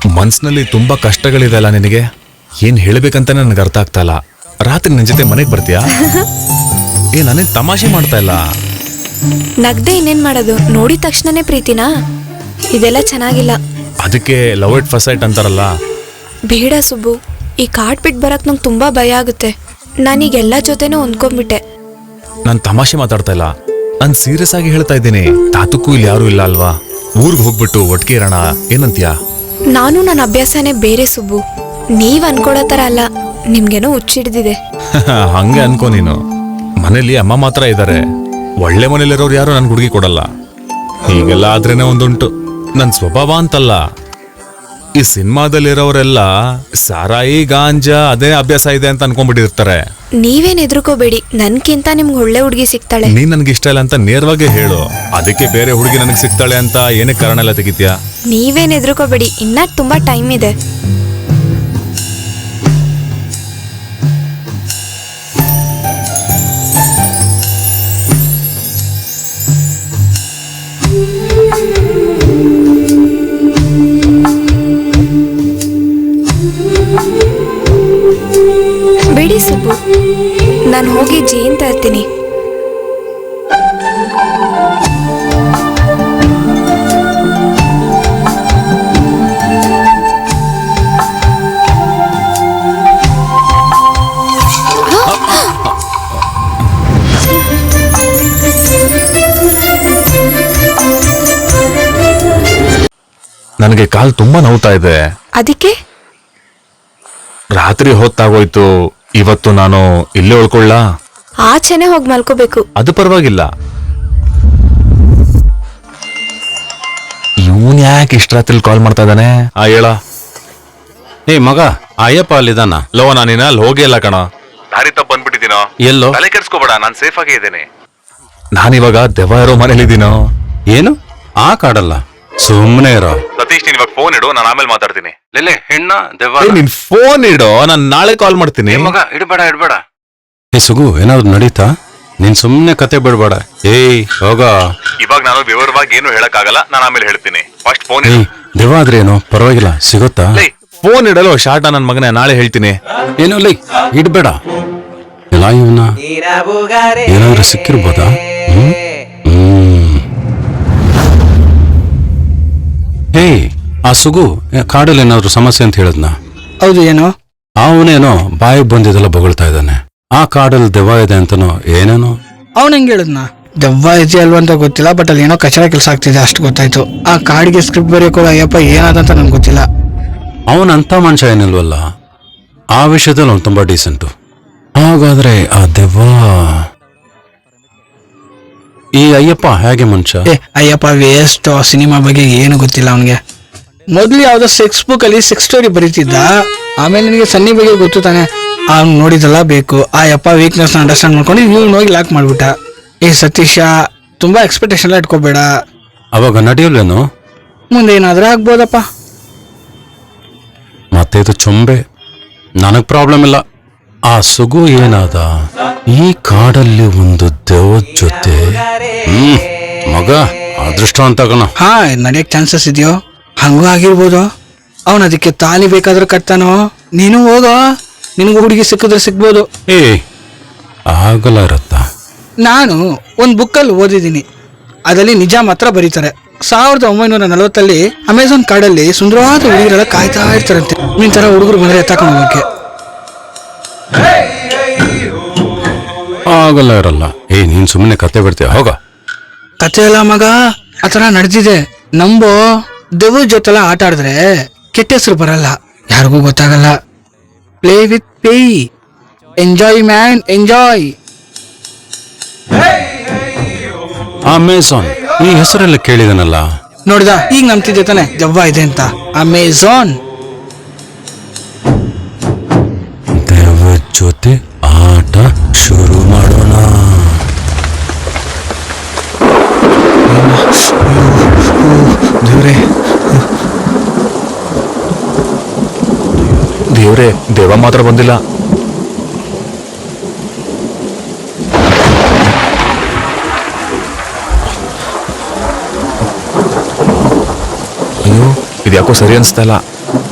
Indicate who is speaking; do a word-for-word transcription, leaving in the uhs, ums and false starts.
Speaker 1: ಮನ್ಸಿನಲ್ಲಿ ತುಂಬಾ ಕಷ್ಟಗಳಿದೆ ಅಲ್ಲ ನಿನಗೆ, ಏನ್ ಹೇಳ್ಬೇಕಂತಾನೆ ನನಗೆ ಅರ್ಥ ಆಗ್ತಾ ಇಲ್ಲ. ರಾತ್ರಿ ನಿನ್ ಜೊತೆ ಮನೆಗೆ ಬರ್ತೀಯಾ? ಏ ನಾನೇನ್ ತಮಾಷೆ ಮಾಡ್ತಾ ಇಲ್ಲ.
Speaker 2: ನಗ್ದೆ ಇನ್ನೇನ್ ಮಾಡೋದು, ನೋಡಿದ ತಕ್ಷಣನೇ ಪ್ರೀತಿನಾ? ಇದೆಲ್ಲ ಚೆನ್ನಾಗಿಲ್ಲ.
Speaker 1: ಅದಕ್ಕೆ ಲವ್ ಇಟ್ ಫಸ್ಟ್ ಸೈಟ್ ಅಂತಾರಲ್ಲ.
Speaker 2: ಬೇಡ ಸುಬ್ಬು, ಈ ಕಾಡ್ ಬಿಟ್ಟು ಬರಕ್ ನಂಗೆ ತುಂಬಾ ಭಯ ಆಗುತ್ತೆ. ನಾನೀಗ ಎಲ್ಲ ಜೊತೆನೂ ಹೊಂದ್ಕೊಂಡ್ಬಿಟ್ಟೆ.
Speaker 1: ನಾನ್ ತಮಾಷೆ ಮಾತಾಡ್ತಾ ಇಲ್ಲ, ನಾನ್ ಸೀರಿಯಸ್ ಆಗಿ ಹೇಳ್ತಾ ಇದ್ದೀನಿ. ತಾತಕ್ಕೂ ಇಲ್ಲಿ ಯಾರು ಇಲ್ಲ ಅಲ್ವಾ, ಊರ್ಗ್ ಹೋಗ್ಬಿಟ್ಟು ಒಟ್ಟಿಗೆ ಇರೋಣ, ಏನಂತೀಯಾ?
Speaker 2: ನಾನು ನನ್ನ ಅಭ್ಯಾಸನೇ ಬೇರೆ ಸುಬ್ಬು, ನೀವ್ ಅನ್ಕೊಳೋ ತರ ಅಲ್ಲ. ನಿಮ್ಗೇನೋ ಹುಚ್ಚಿಡ್ದಿದೆ.
Speaker 1: ಹಂಗೆ ಅನ್ಕೋ ನೀನು. ಮನೇಲಿ ಅಮ್ಮ ಮಾತ್ರ ಇದ್ದಾರೆ, ಒಳ್ಳೆ ಮನೇಲಿರೋರು ಯಾರು ನನ್ ಹುಡುಗಿ ಕೊಡಲ್ಲ. ಹೀಗೆಲ್ಲ ಆದ್ರೇನೆ ಒಂದುಂಟು, ನನ್ ಸ್ವಭಾವ ಅಂತಲ್ಲ. ಈ ಸಿನಿಮಾದಲ್ಲಿರೋರೆಲ್ಲ ಸಾರಾಯಿ ಗಾಂಜಾ ಅದೇ ಅಭ್ಯಾಸ ಇದೆ ಅಂತ ಅನ್ಕೊಂಡ್ಬಿಟ್ಟಿರ್ತಾರೆ.
Speaker 2: ನೀವೇನ್ ಎದ್ರುಕೋಬೇಡಿ, ನನ್ಕಿಂತ ನಿಮ್ಗೆ ಒಳ್ಳೆ ಹುಡುಗಿ ಸಿಗ್ತಾಳೆ.
Speaker 1: ನೀನ್ ನನ್ಗೆ ಇಷ್ಟ ಇಲ್ಲ ಅಂತ ನೇರವಾಗಿ ಹೇಳು, ಅದಕ್ಕೆ ಬೇರೆ ಹುಡುಗಿ ನನಗೆ ಸಿಗ್ತಾಳೆ ಅಂತ ಏನಕ್ಕೆ ಕಾರಣ ಎಲ್ಲ ತೆಗಿತ್ಯಾ?
Speaker 2: ನೀವೇನ್ ಎದ್ರುಕೋಬೇಡಿ, ಇನ್ನ ತುಂಬಾ ಟೈಮ್ ಇದೆ. ಬಿಡಿ ಸುಬ್ಬು, ನಾನು ಹೋಗಿ ಜೇನ್ ತರ್ತೀನಿ.
Speaker 1: ನನಗೆ ಕಾಲ್ ತುಂಬಾ ನೋವ್ತಾ ಇದೆ.
Speaker 2: ಅದಕ್ಕೆ
Speaker 1: ರಾತ್ರಿ ಹೊತ್ತಾಗೋಯ್ತು, ಇವತ್ತು ನಾನು ಇಲ್ಲೇ ಉಳ್ಕೊಳ್ಳ?
Speaker 2: ಆಚೆನೆ ಹೋಗಿ ಮಲ್ಕೋಬೇಕು.
Speaker 1: ಅದು ಪರವಾಗಿಲ್ಲ. ಇವನ್ ಯಾಕೆ ಇಷ್ಟ ರಾತ್ರಿ ಕಾಲ್ ಮಾಡ್ತಾ ಇದ್ದಾನೆ? ಆ ಹೇಳ.
Speaker 3: ಏ ಮಗ, ಅಯ್ಯಪ್ಪ ಅಲ್ಲಿದ್ದಾನ?
Speaker 1: ಲೋ, ನಾನಿನ ಅಲ್ಲಿ ಹೋಗೇ ಇಲ್ಲ ಕಣ. ದಾರಿ ತಪ್ಪ ಬಂದ್ಬಿಟ್ಟಿದ್ದೀನೋ.
Speaker 3: ಎಲ್ಲೋ?
Speaker 1: ತಲೆ ಕೆಡ್ಸ್ಕೋಬೇಡ, ನಾನ್ ಸೇಫ್ ಆಗೇ ಇದ್ದೇನೆ. ನಾನಿವಾಗ ದೆವ್ವ ಇರೋ ಮನೇಲಿದ್ದೀನೋ.
Speaker 3: ಏನು ಆ ಕಾಡಲ್ಲ, ಸುಮ್ಮನೆ ಇರೋ.
Speaker 1: ಸತೀಶ್, ನೀನ್ ಇವಾಗ ಫೋನ್ ಇಡು, ನಾನು ಆಮೇಲೆ ಮಾತಾಡ್ತೀನಿ.
Speaker 3: ಲೆಲೆ ಹೆಣ್ಣ ದೆವ್ವ.
Speaker 1: ನೀನ್ ಫೋನ್ ಇಡು, ನಾನು ನಾಳೆ ಕಾಲ್ ಮಾಡ್ತೀನಿ.
Speaker 3: ಮಗ ಇಡ್ಬೇಡ ಇಡ್ಬೇಡ. ಏ ಸುಗು, ಏನಾದ್ರು ನಡೀತಾ? ನೀನ್ ಸುಮ್ನೆ ಕತೆ ಬಿಡ್ಬೇಡ. ಏಯ್ ಹೋಗ.
Speaker 1: ಇವಾಗ ನಾನು ವಿವರವಾಗಿ ಏನು ಹೇಳಕ್ ಆಗಲ್ಲ, ನಾನು ಆಮೇಲೆ ಹೇಳ್ತೀನಿ. ಫಸ್ಟ್ ಫೋನ್
Speaker 3: ಏಯ್ ದೆವ್ವ ಆದ್ರೆ ಏನು ಪರವಾಗಿಲ್ಲ, ಸಿಗುತ್ತಾ?
Speaker 1: ಫೋನ್ ಇಡಲು ಶಾರ್ಟ ನನ್ ಮಗನೇ, ನಾಳೆ ಹೇಳ್ತೀನಿ.
Speaker 3: ಏನು ಲೈ ಇಡ್ಬೇಡ. ಎಲ್ಲ ಇವನ್ನ ಏನಾದ್ರೂ ಸಿಕ್ಕಿರ್ಬೋದಾ? ಹ್ಮ್ ಹ್ಮ್ ಏಯ್ ಆ ಸುಗು ಕಾಡಲ್ಲಿ ಏನಾದ್ರು ಸಮಸ್ಯೆ ಅಂತ ಹೇಳದ್ನ?
Speaker 4: ಹೌದು, ಏನು?
Speaker 3: ಅವನೇನೋ ಬಾಯಿ ಬಂದಿದ್ದೆಲ್ಲ ಬೊಗಳ್ತಾ ಇದ್ದಾನೆ. ಆ ಕಾಡಲ್ಲಿ ದೆವ್ವ ಇದೆ ಅಂತನೋ ಏನೇನೋ.
Speaker 4: ಅವ್ನು ಹೆಂಗೆ ಹೇಳಿದ್ನ? ದೆವ್ವ ಇದೆ ಅಲ್ವಾ ಅಂತ ಗೊತ್ತಿಲ್ಲ, ಬಟ್ ಅಲ್ಲಿ ಏನೋ ಕಚರ ಕೆಲಸ ಆಗ್ತಿದೆ ಅಷ್ಟು ಗೊತ್ತಾಯ್ತು. ಆ ಕಾಡಿಗೆ ಸ್ಕ್ರಿಪ್ಟ್ ಬರೆಯೋಕೆ ಅಯ್ಯಪ್ಪ ಏನಾದಂತ ನನ್ಗೆ ಗೊತ್ತಿಲ್ಲ.
Speaker 3: ಅವನಂತ ಮನುಷ್ಯ ಏನಿಲ್ವಲ್ಲ, ಆ ವಿಷಯದಲ್ಲಿ ಅವ್ನು ತುಂಬಾ ಡೀಸೆಂಟು. ಹಾಗಾದ್ರೆ ಆ ದೆವ್ವ ಈ ಅಯ್ಯಪ್ಪ ಹೇಗೆ ಮನುಷ್ಯ?
Speaker 4: ಏ ಅಯ್ಯಪ್ಪ ವೇಸ್ಟ್, ಸಿನಿಮಾ ಬಗ್ಗೆ ಏನು ಗೊತ್ತಿಲ್ಲ ಅವನಿಗೆ. ಮೊದ್ಲು ಯಾವ್ದೋ ಸೆಕ್ಸ್ ಬುಕ್ ಅಲ್ಲಿ ಸೆಕ್ಸ್ ಸ್ಟೋರಿ ಬರೀತಿದ್ದ, ಆಮೇಲೆ ನಿನಗೆ ಸನ್ನಿ ಬಗ್ಗೆ ಗೊತ್ತು ತಾನೆ, ಅವ್ನು ನೋಡಿದಲ್ಲ ಬೇಕು. ಆ ಯಪ್ಪ ವೀಕ್ನೆಸ್ ಅಂಡರ್ಸ್ಟ್ಯಾಂಡ್ ಮಾಡ್ಕೊಂಡು ಇವ್ನು ಹೋಗಿ ಲಾಕ್ ಮಾಡ್ಬಿಟ್ಟ. ಏ ಸತೀಶ, ತುಂಬಾ ಎಕ್ಸ್ಪೆಕ್ಟೇಷನ್ ಎಲ್ಲ ಇಟ್ಕೋಬೇಡ.
Speaker 3: ಅವಾಗ ನಡೆಯಲ್ವೇನು?
Speaker 4: ಮುಂದೆ ಏನಾದ್ರೂ ಆಗ್ಬೋದಪ್ಪ.
Speaker 3: ಮತ್ತೆ ಇದು ಚೊಂಬೆ, ನನಗ್ ಪ್ರಾಬ್ಲಮ್ ಇಲ್ಲ. ಆ ಸುಗು ಏನಾದ ಈ ಕಾಡಲ್ಲಿ ಒಂದು ದೆವ್ವದ ಜೊತೆ. ಹ್ಮ್ ಮಗ ಅದೃಷ್ಟ ಅಂತ ಕಣ.
Speaker 4: ಹಾ, ನಡೆಯಕ್ ಚಾನ್ಸಸ್ ಇದೆಯೋ? ಹಂಗೂ ಆಗಿರ್ಬೋದು. ಅವನ್ ಅದಕ್ಕೆ ತಾಲಿ ಬೇಕಾದ್ರೂ ಕಟ್ತಾನೋ. ನೀನು ಹೋಗೋ, ನಿನಗೂ ಹುಡುಗಿ ಸಿಕ್ಕಿದ್ರೆ ಸಿಗ್ಬೋದು.
Speaker 3: ಏ ಆಗಲ್ಲ ಇರತ್ತ. ನಾನು
Speaker 4: ಒಂದ್ ಬುಕ್ಕಲ್ಲಿ ಓದಿದ್ದೀನಿ, ಅದರಲ್ಲಿ ನಿಜ ಮಾತ್ರ ಬರೀತಾರೆ. ಸಾವಿರದ ಒಂಬೈನೂರ ನಲವತ್ತಲ್ಲಿ ಅಮೆಝಾನ್ ಕಾಡಲ್ಲಿ ಸುಂದರವಾದ ಹುಡುಗರೆಲ್ಲ ಕಾಯ್ತಾ ಇರ್ತಾರಂತೆ, ನಿನ್ ತರ ಹುಡುಗರು ಬಂದ್ರೆ ಎತ್ತಾಕೊಂಡು ಹೋಗಕ್ಕೆ.
Speaker 3: ಆಗಲ್ಲ ಇರಲ್ಲ. ಏ ನೀನ್ ಸುಮ್ಮನೆ ಕತೆ ಬಿಡ್ತೀಯ, ಹೋಗ.
Speaker 4: ಕತೆ ಎಲ್ಲ ಮಗ, ಆತರ ನಡೆದಿದೆ ನಂಬೋ. ದೆವ್ವ ಜೊತೆಲ್ಲ ಆಟ ಆಡಿದ್ರೆ ಕೆಟ್ಟ ಹೆಸರು ಬರಲ್ಲ, ಯಾರಿಗೂ ಗೊತ್ತಾಗಲ್ಲ. Play with pay, enjoy man enjoy.
Speaker 3: Amazon ಈ ಹೆಸರೆಲ್ಲ ಕೇಳಿದನಲ್ಲ.
Speaker 4: ನೋಡಿದ, ಈಗ ನಂಬ್ತಿದ್ದೆ ತಾನೆ ದೆವ್ವ ಇದೆ ಅಂತ. ಅಮೆಝಾನ್
Speaker 3: ದೆವ್ವ ಜೊತೆ ಆಟ ಶುರು ಮಾಡೋಣ.
Speaker 1: ದೇವ್ರೆ ದೇವ್ರೆ, ದೇವ ಮಾತ್ರ ಬಂದಿಲ್ಲ. ಇದ್ಯಾಕೋ ಸರಿ ಅನಿಸ್ತಾ ಇಲ್ಲ.